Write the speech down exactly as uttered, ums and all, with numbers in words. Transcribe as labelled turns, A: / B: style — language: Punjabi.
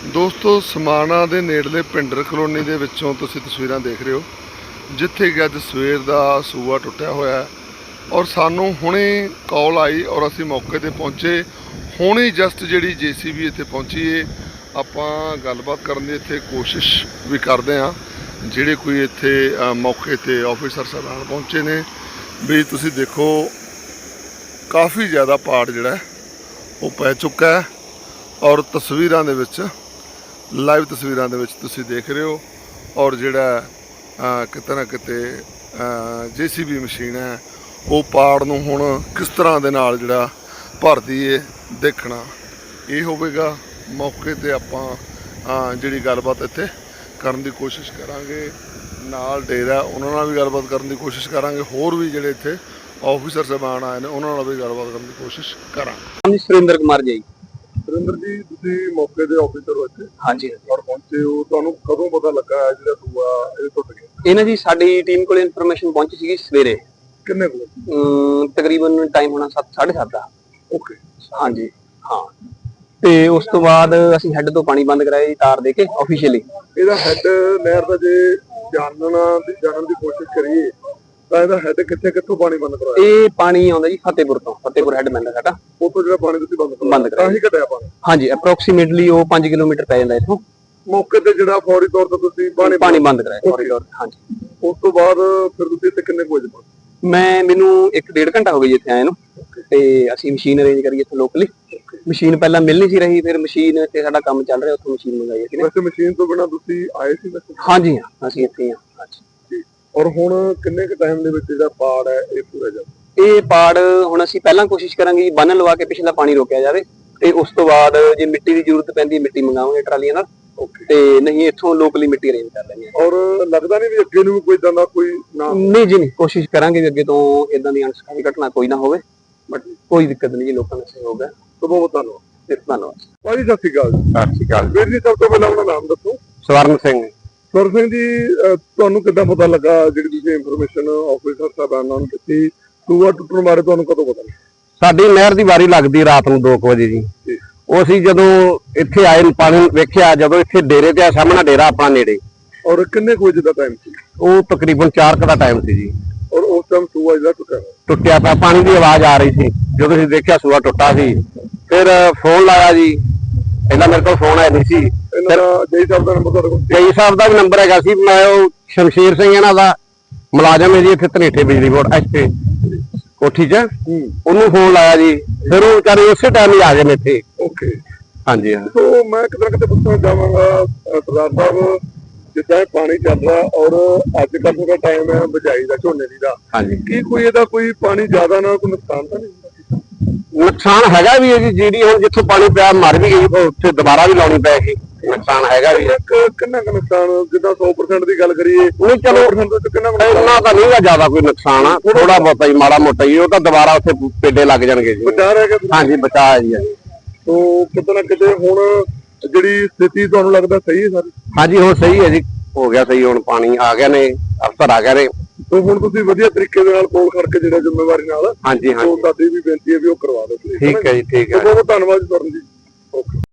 A: ਦੋਸਤੋ ਸਮਾਣਾ ਦੇ ਨੇੜਲੇ ਪਿੰਡਰ ਕਲੋਨੀ ਦੇ ਵਿੱਚੋਂ ਤੁਸੀਂ ਤਸਵੀਰਾਂ ਦੇਖ ਰਹੇ ਹੋ, ਜਿੱਥੇ ਕਿ ਅੱਜ ਸਵੇਰ ਦਾ ਸੂਆ ਟੁੱਟਿਆ ਹੋਇਆ ਔਰ ਸਾਨੂੰ ਹੁਣੇ ਕਾਲ ਆਈ ਔਰ ਅਸੀਂ ਮੌਕੇ ਤੇ ਪਹੁੰਚੇ। ਹੁਣੇ ਜਸਟ ਜਿਹੜੀ ਜੇਸੀਬੀ ਇੱਥੇ ਪਹੁੰਚੀ ਏ, ਆਪਾਂ ਗੱਲਬਾਤ ਕਰਨ ਦੀ ਇੱਥੇ ਕੋਸ਼ਿਸ਼ ਵੀ ਕਰਦੇ ਹਾਂ। ਜਿਹੜੇ ਕੋਈ ਇੱਥੇ ਮੌਕੇ ਤੇ ਆਫੀਸਰ ਸਾਹਿਬਾਨ ਪਹੁੰਚੇ ਨੇ, ਵੀ ਤੁਸੀਂ ਦੇਖੋ ਕਾफ़ी ज़्यादा पाड़ ਜਿਹੜਾ ਉਹ ਪੈ ਚੁੱਕਾ ਹੈ ਔਰ ਤਸਵੀਰਾਂ ਦੇ ਵਿੱਚ ਲਾਈਵ ਤਸਵੀਰਾਂ ਦੇ ਵਿੱਚ ਤੁਸੀਂ ਦੇਖ ਰਹੇ ਹੋ। ਔਰ ਜਿਹੜਾ ਕਿਤੇ ਨਾ ਕਿਤੇ ਜੇਸੀਬੀ ਮਸ਼ੀਨ ਹੈ ਉਹ ਪਾੜ ਨੂੰ ਹੁਣ ਕਿਸ ਤਰ੍ਹਾਂ ਦੇ ਨਾਲ ਜਿਹੜਾ ਭਰਦੀ ਹੈ ਦੇਖਣਾ ਇਹ ਹੋਵੇਗਾ। ਮੌਕੇ ਤੇ ਆਪਾਂ ਜਿਹੜੀ ਗੱਲਬਾਤ ਇੱਥੇ ਕਰਨ ਦੀ ਕੋਸ਼ਿਸ਼ ਕਰਾਂਗੇ, ਨਾਲ ਡੇਰਾ ਉਹਨਾਂ ਨਾਲ ਵੀ ਗੱਲਬਾਤ ਕਰਨ ਦੀ ਕੋਸ਼ਿਸ਼ ਕਰਾਂਗੇ। ਹੋਰ ਵੀ ਜਿਹੜੇ ਇੱਥੇ ਆਫੀਸਰ ਸਾਹਿਬਾਨ ਆਏ ਨੇ ਉਹਨਾਂ ਨਾਲ ਵੀ ਗੱਲਬਾਤ ਕਰਨ ਦੀ ਕੋਸ਼ਿਸ਼ ਕਰਾਂਗੇ।
B: ਸੁਰਿੰਦਰ ਕੁਮਾਰ ਜੀ।
A: ਸੁਰਿੰਦਰ ਜੀ, ਤੁਸੀਂ ਮੌਕੇ ਦੇ ਆਫੀਸਰ ਹੋ ਇੱਥੇ?
B: ਹਾਂਜੀ
A: ਔਰ ਪਹੁੰਚੇ ਹੋ, ਤੁਹਾਨੂੰ ਕਦੋਂ ਪਤਾ ਲੱਗਾ ਜਿਹੜਾ ਸੂਆ ਇਹ ਟੁੱਟ ਗਿਆ?
B: ਇਹਨਾਂ ਜੀ ਸਾਡੀ ਟੀਮ ਕੋਲ ਇਨਫੋਰਮੇਸ਼ਨ ਪਹੁੰਚੀ ਸੀਗੀ ਸਵੇਰੇ।
A: ਕਿੰਨੇ ਵਜੇ?
B: ਤਕਰੀਬਨ ਟਾਈਮ ਹੋਣਾ ਸੱਤ ਸਾਢੇ ਸੱਤ ਦਾ।
A: ਓਕੇ,
B: ਹਾਂਜੀ ਹਾਂ। ਤੇ ਉਸ ਤੋਂ ਬਾਅਦ ਅਸੀਂ ਹੈੱਡ ਤੋਂ ਪਾਣੀ ਬੰਦ ਕਰਾਇਆ ਜੀ, ਤਾਰ ਦੇ ਕੇ ਆਫੀਸ਼ੀਅਲੀ।
A: ਇਹਦਾ ਹੈੱਡ ਨਹਿਰ ਦਾ ਜੇ ਜਾਣਨਾ ਦੀ ਜਾਣਨ ਦੀ ਕੋਸ਼ਿਸ਼ ਕਰੀਏ ਤਾਂ ਇਹਦਾ ਹੈੱਡ ਕਿੱਥੇ ਕਿੱਥੋਂ ਪਾਣੀ ਬੰਦ ਕਰਾਇਆ?
B: ਇਹ ਪਾਣੀ ਆਉਂਦਾ ਜੀ ਫਤਿਹਪੁਰ ਤੋਂ, ਫਤਿਹਪੁਰ ਹੈੱਡ ਪੈਂਦਾ ਸਾਡਾ।
A: ਉੱਥੋਂ ਜਿਹੜਾ ਪਾਣੀ ਤੁਸੀਂ ਬੰਦ ਕਰਾਇਆ
B: ਬੰਦ ਕਰਾਇਆ
A: ਤਾਂ ਹੀ ਘਟਿਆ ਪਾਣੀ?
B: ਹਾਂਜੀ, ਅਪਰੋਕਸੀਮੇਟਲੀ ਉਹ ਪੰਜ ਕਿਲੋਮੀਟਰ ਪੈ ਜਾਂਦਾ ਇੱਥੋਂ।
A: ਮੌਕੇ ਤੇ ਜਿਹੜਾ ਫੌਰੀ ਤੌਰ ਤੇ ਤੁਸੀਂ ਪਾਣੀ
B: ਪਾਣੀ ਬੰਦ ਕਰਾਇਆ ਫੌਰੀ ਤੌਰ ਤੇ। ਹਾਂਜੀ,
A: ਉਸ ਤੋਂ ਬਾਅਦ ਫਿਰ ਤੁਸੀਂ ਇੱਥੇ ਕਿੰਨੇ ਵਜੇ ਪਹੁੰਚੇ?
B: ਮੈਂ ਮੈਨੂੰ ਇੱਕ ਡੇਢ ਘੰਟਾ ਹੋ ਗਿਆ ਜੀ ਇੱਥੇ ਆਏ ਨੂੰ। ਤੇ ਅਸੀਂ ਮਸ਼ੀਨ ਅਰੇਂਜ ਕਰੀ ਇੱਥੇ ਲੋਕਲੀ। ਮਸ਼ੀਨ ਪਹਿਲਾਂ ਮਿਲ ਨਹੀਂ ਸੀ ਰਹੀ, ਫਿਰ ਮਸ਼ੀਨ ਤੇ ਸਾਡਾ ਕੰਮ ਚੱਲ ਰਿਹਾ, ਉੱਥੋਂ ਮਸ਼ੀਨ ਮੰਗਾਈ ਅਸੀਂ।
A: ਵੈਸੇ ਮਸ਼ੀਨ ਤੋਂ ਬਿਨਾਂ ਤੁਸੀਂ ਆਏ ਸੀ ਵੈਸੇ?
B: ਹਾਂਜੀ ਹਾਂ, ਅਸੀਂ ਇੱਥੇ ਹਾਂ।
A: ਔਰ ਹੁਣ ਕਿੰਨੇ ਕੁ ਟਾਈਮ ਦੇ ਵਿੱਚ ਜਿਹੜਾ ਪਾੜ ਹੈ ਇਹ ਪੂਰਾ ਜਾਵੇ?
B: ਇਹ ਪਾੜ ਹੁਣ ਅਸੀਂ ਪਹਿਲਾਂ ਕੋਸ਼ਿਸ਼ ਕਰਾਂਗੇ ਜੀ ਬੰਨ ਲਵਾ ਕੇ ਪਿਛਲਾ ਪਾਣੀ ਰੋਕਿਆ ਜਾਵੇ, ਤੇ ਉਸ ਤੋਂ ਬਾਅਦ ਜੇ ਮਿੱਟੀ ਦੀ ਜ਼ਰੂਰਤ ਪੈਂਦੀ ਮਿੱਟੀ ਮੰਗਾਵਾਂਗੇ ਟਰਾਲੀਆਂ ਨਾਲ। ਤੇ ਨਹੀਂ ਇੱਥੋਂ ਲੋਕਲੀ ਮਿੱਟੀ ਅਰੇਂਜ ਕਰ ਲੈਣੀ ਹੈ।
A: ਔਰ ਲੱਗਦਾ ਨਹੀਂ ਵੀ ਅੱਗੇ ਨੂੰ ਕੋਈ ਇਦਾਂ ਦਾ ਕੋਈ ਨਾ?
B: ਨਹੀਂ ਜੀ, ਨਹੀਂ, ਕੋਸ਼ਿਸ਼ ਕਰਾਂਗੇ ਵੀ ਅੱਗੇ ਤੋਂ ਇਦਾਂ ਦੀ ਅਣਸਖਾਵੀ ਘਟਨਾ ਕੋਈ ਨਾ ਹੋਵੇ। ਬਟ ਕੋਈ ਦਿੱਕਤ ਨਹੀਂ ਜੀ, ਲੋਕਾਂ ਦਾ ਸਹਿਯੋਗ ਹੈ।
A: ਬਹੁਤ ਬਹੁਤ ਧੰਨਵਾਦ।
B: ਧੰਨਵਾਦ
A: ਭਾਜੀ, ਸਤਿ ਸ਼੍ਰੀ ਅਕਾਲ।
B: ਸਤਿ ਸ਼੍ਰੀ ਅਕਾਲ
A: ਵੀਰ ਜੀ, ਸਭ ਤੋਂ ਪਹਿਲਾਂ ਆਪਣਾ ਨਾਮ ਦੱਸੋ।
B: ਸਵਰਨ ਸਿੰਘ।
A: ਸਵਰਨ ਸਿੰਘ ਜੀ, ਤੁਹਾਨੂੰ ਕਿੱਦਾਂ ਪਤਾ ਲੱਗਾ ਜਿਹੜੀ ਤੁਸੀਂ ਇਨਫੋਰਮੇਸ਼ਨ ਆਫੀਸਰ ਸਾਹਿਬਾਨਾਂ ਨੂੰ ਦਿੱਤੀ ਸੂਆ ਟੁੱਟਣ ਬਾਰੇ, ਤੁਹਾਨੂੰ ਕਦੋਂ ਪਤਾ ਲੱਗਾ?
B: ਸਾਡੀ ਨਹਿਰ ਦੀ ਵਾਰੀ ਲੱਗਦੀ ਰਾਤ ਨੂੰ ਦੋ ਕੁ ਵਜੇ ਜੀ। ਉਹ ਅਸੀਂ ਜਦੋਂ ਇੱਥੇ ਆਏ ਪਾਣੀ ਵੇਖਿਆ, ਜਦੋਂ ਇੱਥੇ ਡੇਰੇ ਤੇ ਆ ਸਾਹਮਣਾ ਡੇਰਾ ਆਪਣਾ ਨੇੜੇ।
A: ਔਰ ਕਿੰਨੇ ਕੁ ਵਜੇ ਦਾ ਟਾਈਮ ਸੀ?
B: ਉਹ ਤਕਰੀਬਨ ਚਾਰ ਕੁ ਦਾ ਟਾਈਮ ਸੀ ਜੀ।
A: ਔਰ ਉਸ ਟਾਈਮ ਸੂਆ ਜਿਹੜਾ ਟੁੱਟਿਆ
B: ਟੁੱਟਿਆ ਪਿਆ, ਪਾਣੀ ਦੀ ਆਵਾਜ਼ ਆ ਰਹੀ ਸੀ। ਜਦੋਂ ਅਸੀਂ ਦੇਖਿਆ ਸੂਆ ਟੁੱਟਾ ਸੀ, ਫਿਰ ਫੋਨ ਲਾਇਆ ਜੀ। ਪਹਿਲਾਂ ਮੇਰੇ ਕੋਲ ਫੋਨ ਆਇਆ ਨਹੀਂ ਸੀ।
A: ਇਹਨਾਂ ਦਾ ਜੈ ਸਾਹਿਬ ਦਾ ਨੰਬਰ ਤੁਹਾਡੇ ਕੋਲ?
B: ਜੈ ਸਾਹਿਬ ਦਾ ਵੀ ਨੰਬਰ ਹੈਗਾ ਸੀ। ਮੈਂ ਉਹ ਸ਼ਮਸ਼ੀਰ ਸਿੰਘ ਇਹਨਾਂ ਦਾ ਮੁਲਾਜ਼ਮ ਹੈ ਜੀ ਇੱਥੇ ਧਨੇਠੇ ਬਿਜਲੀ ਬੋਰਡ ਇੱਥੇ ਕੋਠੀ 'ਚ, ਉਹਨੂੰ ਫੋਨ ਲਾਇਆ ਜੀ। ਫਿਰ ਉਹ ਵਿਚਾਰੇ ਉਸੇ ਟਾਈਮ ਹੀ ਆ ਗਏ ਨੇ ਇੱਥੇ।
A: ਓਕੇ,
B: ਹਾਂਜੀ ਹਾਂ।
A: ਸੋ ਮੈਂ ਕਿਤੇ ਨਾ ਕਿਤੇ ਪੁੱਛਣਾ ਚਾਹਾਂਗਾ ਸਰਦਾਰ ਸਾਹਿਬ, ਜਿੱਦਾਂ ਪਾਣੀ ਚੱਲ ਰਿਹਾ ਔਰ ਅੱਜ ਕੱਲ੍ਹ ਦਾ ਟਾਈਮ ਹੈ ਬਿਜਾਈ ਦਾ, ਝੋਨੇ ਦੀ ਦਾ,
B: ਹਾਂਜੀ,
A: ਕੀ ਕੋਈ ਇਹਦਾ ਕੋਈ ਪਾਣੀ ਜ਼ਿਆਦਾ ਨਾਲ ਕੋਈ ਨੁਕਸਾਨ ਤਾਂ ਨਹੀਂ ਹੁੰਦਾ?
B: ਨੁਕਸਾਨ ਹੈਗਾ ਵੀ ਹੈ ਜੀ। ਜਿਹੜੀ ਹੁਣ ਜਿੱਥੋਂ ਪਾਣੀ ਪਿਆ ਮਰ ਵੀ ਗਈ, ਉੱਥੇ ਦੁਬਾਰਾ ਵੀ ਲਾਉਣੀ ਪਏਗੀ। ਨੁਕਸਾਨ ਹੈਗਾ ਵੀ।
A: ਕਿੰਨਾ ਕੁ ਨੁਕਸਾਨ, ਜਿੱਦਾਂ ਸੌ ਪਰਸੈਂਟ ਦੀ ਗੱਲ ਕਰੀਏ?
B: ਨਹੀਂ, ਚਲੋ
A: ਕਿੰਨਾ
B: ਇੰਨਾ ਤਾਂ ਨਹੀਂ ਜ਼ਿਆਦਾ ਕੋਈ ਨੁਕਸਾਨ ਆ, ਥੋੜਾ ਬਹੁਤਾ ਹੀ, ਮਾੜਾ ਮੋਟਾ ਹੀ। ਉਹ ਤਾਂ ਦੁਬਾਰਾ ਉੱਥੇ ਪੇਡੇ ਲੱਗ ਜਾਣਗੇ ਜੀ।
A: ਬਚਾ ਰਹਿ ਗਿਆ? ਹਾਂਜੀ,
B: ਬਚਾ ਹੈ ਜੀ।
A: ਸੋ ਕਿਤੇ ਨਾ ਕਿਤੇ ਹੁਣ ਜਿਹੜੀ ਸਥਿਤੀ ਤੁਹਾਨੂੰ ਲੱਗਦਾ ਸਹੀ ਹੈ ਸਾਰੀ?
B: ਹਾਂਜੀ, ਹੁਣ ਸਹੀ ਹੈ ਜੀ, ਹੋ ਗਿਆ ਸਹੀ। ਹੁਣ ਪਾਣੀ ਆ ਗਿਆ ਨੇ, ਅਫਸਰ ਆ ਗਏ ਨੇ।
A: ਸੋ ਹੁਣ ਤੁਸੀਂ ਵਧੀਆ ਤਰੀਕੇ ਦੇ ਨਾਲ ਕੋਲ ਕਰਕੇ ਜਿਹੜਾ ਜ਼ਿੰਮੇਵਾਰੀ ਨਾਲ,
B: ਹਾਂਜੀ ਹਾਂਜੀ,
A: ਸਾਡੀ ਵੀ ਬੇਨਤੀ ਹੈ ਵੀ ਉਹ ਕਰਵਾ ਦਿਓ।
B: ਠੀਕ ਹੈ ਜੀ, ਠੀਕ ਹੈ।
A: ਬਹੁਤ ਬਹੁਤ ਧੰਨਵਾਦ ਸਵਰਨ ਜੀ। ਓਕੇ।